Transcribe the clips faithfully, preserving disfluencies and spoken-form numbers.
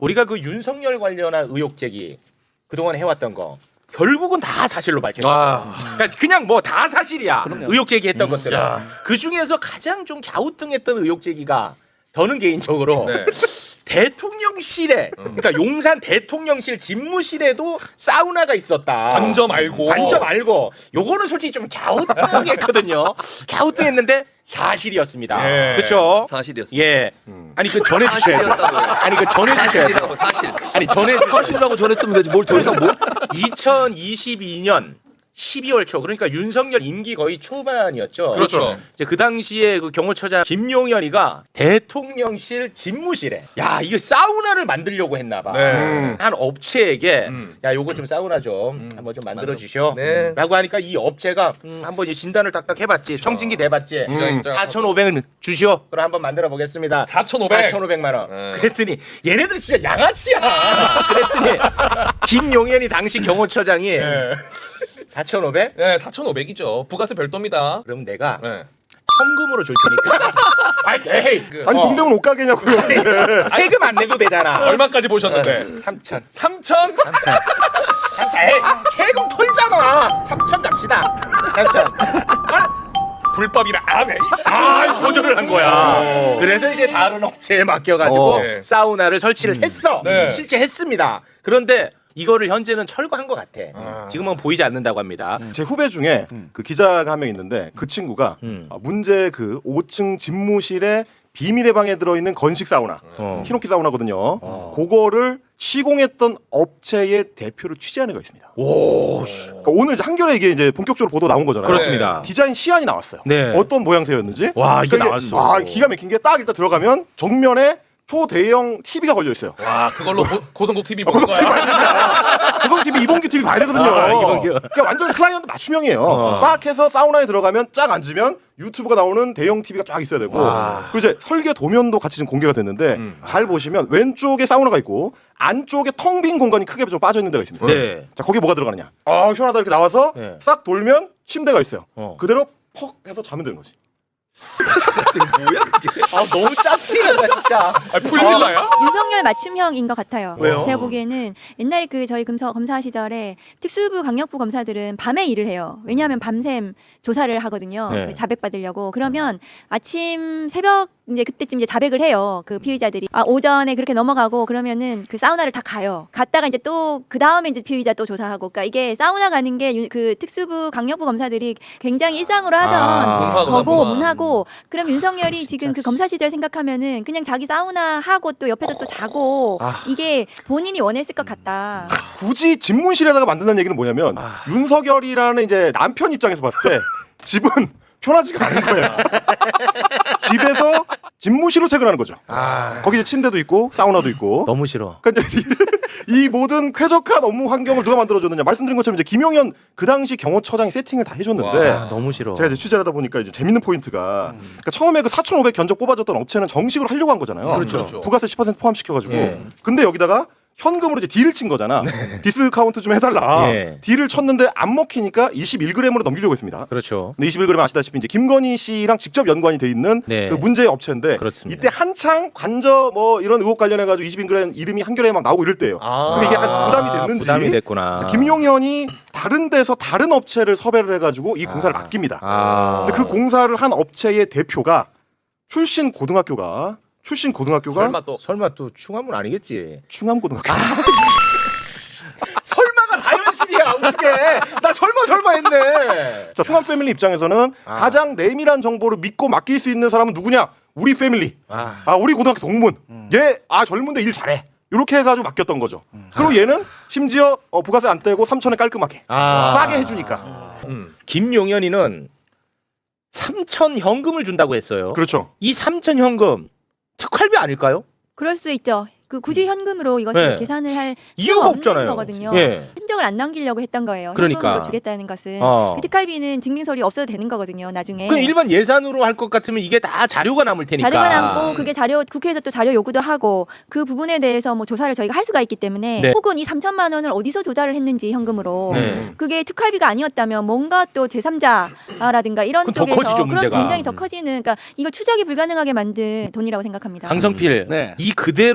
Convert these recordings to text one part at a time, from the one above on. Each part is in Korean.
우리가 그 윤석열 관련한 의혹 제기 그동안 해왔던 거 결국은 다 사실로 밝혀졌어요. 아. 그러니까 그냥 뭐 다 사실이야. 그럼요. 의혹 제기했던 음, 것들은. 야. 그 중에서 가장 좀 갸우뚱했던 의혹 제기가 저는 개인적으로 네. 대통령실에 그러니까 용산 대통령실 집무실에도 사우나가 있었다. 관저 말고. 관저 말고 요거는 솔직히 좀 갸우뚱했거든요. 갸우뚱했는데 사실이었습니다. 예. 그렇죠? 사실이었습니다. 예. 음. 아니 그 전해 주셔야죠. 사실이었다고요. 아니 그 전해 주셔야죠. 사실이라고 사실. 아니 전해 사실이라고 전했으면 되지 뭘 더 이상 뭐? 이천이십이 년 십이월 초 그러니까 윤석열 임기 거의 초반이었죠. 그렇죠. 이제 그 당시에 그 경호처장 김용현이가 대통령실 집무실에 야 이거 사우나를 만들려고 했나봐. 네. 한 업체에게 음. 야 요거 좀 사우나 좀 음. 한번 좀 만들어 주시오. 네. 라고 하니까 이 업체가 음, 한번 이 진단을 딱딱 해봤지. 청진기 대봤지. 음. 사천오백을 주시오. 그럼 한번 만들어 보겠습니다. 사천오백. 사천오백만 원. 네. 그랬더니 얘네들 진짜 양아치야. 그랬더니 김용현이 당시 경호처장이 네. 사천오백? 네, 사천오백이죠. 부가세 별도입니다. 그럼 내가 네. 현금으로 줄 테니까. 아이, 에이, 그, 아니 어, 동대문 옷가게냐고요. 세금 안 내도 되잖아. 얼마까지 보셨는데? 삼천. 삼천? 삼천. 에이, 세금 털잖아. 삼천 갑시다. 삼천. 불법이라 안 해. 아, 거절을 한 거야. 그래서 이제 다른 업체에 맡겨가지고 어. 네. 사우나를 설치를 했어. 네. 실제 했습니다. 그런데 이거를 현재는 철거한 것 같아. 아. 지금은 보이지 않는다고 합니다. 제 후배 중에 그 기자가 한 명 있는데 그 친구가 음. 아, 문제 그 오 층 집무실에 비밀의 방에 들어있는 건식 사우나, 어. 히노키 사우나거든요. 어. 그거를 시공했던 업체의 대표를 취재한 애가 있습니다. 오, 씨. 그러니까 오늘 이제 한겨레 이게 이제 본격적으로 보도 나온 거잖아요. 그렇습니다. 디자인 시안이 나왔어요. 네. 어떤 모양새였는지. 와, 이게 그러니까 나왔어. 아, 기가 막힌 게 딱 일단 들어가면 정면에 초대형 티비가 걸려 있어요. 와, 그걸로 고, 고성국 티비 보는 거야. 고성 티비, 이봉규 티비 봐야 되거든요. 아, 이봉규. 그러니까 완전 클라이언트 맞춤형이에요. 어. 딱 해서 사우나에 들어가면 쫙 앉으면 유튜브가 나오는 대형 티비가 쫙 있어야 되고 와. 그리고 이제 설계 도면도 같이 지금 공개가 됐는데 음. 잘 보시면 왼쪽에 사우나가 있고 안쪽에 텅 빈 공간이 크게 좀 빠져 있는 데가 있습니다. 네. 자, 거기에 뭐가 들어가느냐? 아, 시원하다 이렇게 나와서 네. 싹 돌면 침대가 있어요. 어. 그대로 퍽 해서 자면 되는 거지. 아, 너무 짜증난다 진짜. 아, 풀릴라야? 윤석열 맞춤형인 것 같아요. 왜요? 제가 보기에는 옛날에 그 저희 검사, 검사 시절에 특수부 강력부 검사들은 밤에 일을 해요. 왜냐하면 밤샘 조사를 하거든요. 네. 그 자백 받으려고. 그러면 아침 새벽 이제 그때쯤 이제 자백을 해요. 그 피의자들이 아 오전에 그렇게 넘어가고 그러면은 그 사우나를 다 가요. 갔다가 이제 또 그 다음에 이제 피의자 또 조사하고. 그러니까 이게 사우나 가는 게 그 특수부 강력부 검사들이 굉장히 일상으로 하던 아, 거고 문화구나. 문하고. 그럼 윤석열이 지금 그 검사 시절 생각하면은 그냥 자기 사우나 하고 또 옆에서 또 자고 아. 이게 본인이 원했을 것 같다. 굳이 집무실에다가 만든다는 얘기는 뭐냐면 아. 윤석열이라는 이제 남편 입장에서 봤을 때 집은 편하지가 않은 거예요. 집에서 집무실로 퇴근하는 거죠. 아, 거기 이제 침대도 있고 사우나도 있고. 너무 싫어. 그러니까 이제 이 모든 쾌적한 업무 환경을 누가 만들어줬느냐. 말씀드린 것처럼 이제 김용현 그 당시 경호처장이 세팅을 다 해줬는데 아, 너무 싫어. 제가 이제 취재를 하다 보니까 이제 재밌는 포인트가 그러니까 처음에 그 사천오백 견적 뽑아줬던 업체는 정식으로 하려고 한 거잖아요. 그렇죠. 부가세 십 퍼센트 포함시켜가지고. 예. 근데 여기다가 현금으로 이제 딜을 친 거잖아. 디스카운트 좀 해달라. 예. 딜을 쳤는데 안 먹히니까 이십일 그램으로 넘기려고 했습니다. 그렇죠. 근데 이십일 그램 아시다시피 이제 김건희 씨랑 직접 연관이 돼 있는 네. 그 문제의 업체인데 그렇습니다. 이때 한창 관저 뭐 이런 의혹 관련해 가지고 이십일 그램 이름이 한겨레에 막 나오고 이럴 때예요. 아. 그게 이게 약간 부담이 됐는지 부담이 됐구나. 김용현이 다른 데서 다른 업체를 섭외를 해가지고 이 공사를 아. 맡깁니다. 아. 근데 그 공사를 한 업체의 대표가 출신 고등학교가 출신 고등학교가 설마 또 설마 또 충암은 아니겠지? 충암고등학교. 설마가 다 현실이야. 어떻게? 나 설마 설마 했네. 자, 충암 패밀리 입장에서는 아. 가장 내밀한 정보를 믿고 맡길 수 있는 사람은 누구냐? 우리 패밀리. 아, 아, 우리 고등학교 동문. 얘, 아, 젊은데 일 잘해. 이렇게 해가지고 맡겼던 거죠. 그리고 얘는 심지어 어, 부가세 안 떼고 삼천에 깔끔하게 아. 싸게 해주니까. 음. 김용현이는 삼천 현금을 준다고 했어요. 그렇죠. 이 삼천 현금 특활비 아닐까요? 그럴 수 있죠. 그 굳이 현금으로 이것을 네. 계산을 할 이유가 필요가 없는 없잖아요. 거거든요. 예. 흔적을 안 남기려고 했던 거예요. 그러니까. 현금으로 주겠다는 것은. 어. 그 특활비는 증빙서류 없어도 되는 거거든요. 나중에. 그 일반 예산으로 할 것 같으면 이게 다 자료가 남을 테니까. 자료가 남고 그게 자료 국회에서 또 자료 요구도 하고 그 부분에 대해서 뭐 조사를 저희가 할 수가 있기 때문에 네. 혹은 이 삼천만 원을 어디서 조달을 했는지 현금으로 네. 그게 특활비가 아니었다면 뭔가 또 제삼자라든가 이런 그럼 더 쪽에서 커지죠, 그럼 문제가. 굉장히 더 커지는 그러니까 이걸 추적이 불가능하게 만든 돈이라고 생각합니다. 강성필 네. 이 그대로 종편가서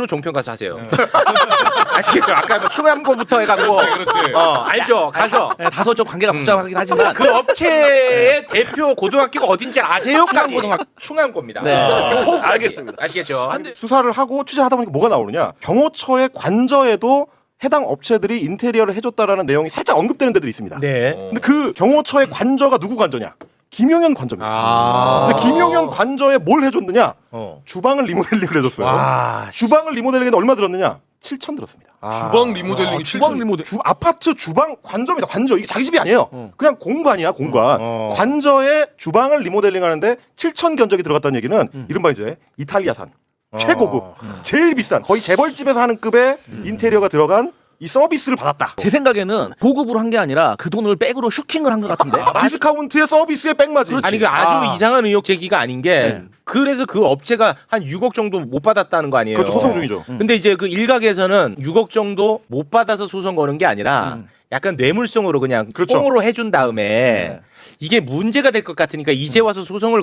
가서 하세요. 아시겠죠? 아까 뭐 충암고부터 해갖고 그렇지. 어 알죠? 가서 네, 다소 좀 관계가 복잡하긴 하지만 그 업체의 대표 고등학교가 어딘지 아세요?까지 충암고등학교. 충암고입니다. 네. 요 알겠습니다. 아시겠죠? 근데 수사를 하고 취재를 하다 보니까 뭐가 나오느냐? 경호처의 관저에도 해당 업체들이 인테리어를 해줬다라는 내용이 살짝 언급되는 데들이 있습니다. 네. 근데 그 경호처의 관저가 누구 관저냐? 김용현 관저입니다. 아. 근데 김용현 관저에 뭘 해줬느냐? 어. 주방을 리모델링을 해줬어요. 와. 주방을 리모델링에 얼마 들었느냐? 칠천 들었습니다. 주방 리모델링이 주방 칠천. 리모델. 주, 아파트 주방 관저입니다. 관저. 이게 자기 집이 아니에요. 어. 그냥 공간이야, 공간. 어. 관저에 주방을 리모델링 하는데 칠천 견적이 들어갔다는 얘기는 이른바 이제 이탈리아산. 최고급, 제일 비싼, 거의 재벌집에서 하는 급의 인테리어가 들어간 이 서비스를 받았다. 제 생각에는 보급으로 한 게 아니라 그 돈을 백으로 슈킹을 한 것 같은데. 디스카운트의 서비스의 백마지. 아니 그 아주 아. 이상한 의혹 제기가 아닌 게 네. 그래서 그 업체가 한 육억 정도 못 받았다는 거 아니에요? 그렇죠, 소송 중이죠. 근데 이제 그 일각에서는 육억 정도 못 받아서 소송 거는 게 아니라 음. 약간 뇌물성으로 그냥 그렇죠. 뽕으로 해준 다음에 네. 이게 문제가 될 것 같으니까 이제 와서 소송을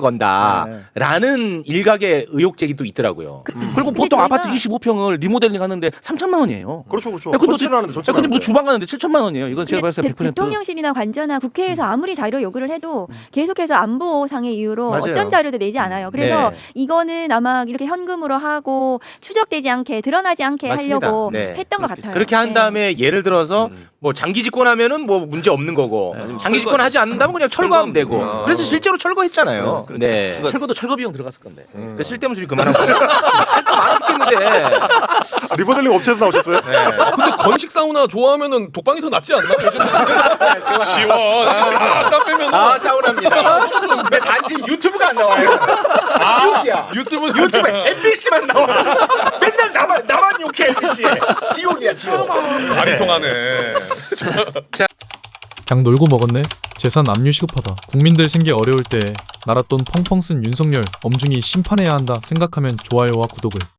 건다라는 일각의 의혹 제기도 있더라고요. 그리고 보통 저희가- 아파트 이십오 평을 리모델링 하는데 삼천만 원이에요. 그렇죠, 그렇죠. 야, 근데 전체를 하는데 야, 전체를 근데 뭐 하는데. 주방 가는데 칠천만 원이에요. 이건 제가 근데 봤을 때 대, 백 퍼센트. 대통령실이나 관저나 국회에서 아무리 자료 요구를 해도 계속해서 안보상의 이유로 맞아요. 어떤 자료도 내지 않아요. 그래서 네. 이거는 아마 이렇게 현금으로 하고 추적되지 않게 드러나지 않게 맞습니다. 하려고 네. 했던 것 같아요. 그렇게 한 네. 다음에 예를 들어서 음. 뭐 장기 집권하면은 뭐 문제 없는 거고 네. 장기 집권하지 않는다면 그냥 철거하면 되고 아. 그래서 실제로 철거했잖아요. 네. 철거도 철거 비용 들어갔을 건데. 그 쓸데없는 소리 그만하고 할 거 많아 죽겠는데. 아, 리모델링 업체에서 나오셨어요? 근데 건식 사우나 좋아하면은 독방이 더 낫지 않나? 요즘 시원하게 쫙 빼면은 아 사우나입니다. 근데 단지 유튜브가 안 나와요. 아, 지옥이야. 유튜브 유튜브에 엠비씨만 나와. 맨날 나만 나만 욕해 엠비씨에. 지옥이야 지옥. 아리송하네. 그냥 놀고 먹었네. 재산 압류 시급하다. 국민들 생계 어려울 때 나랏돈 펑펑 쓴 윤석열 엄중히 심판해야 한다 생각하면 좋아요와 구독을.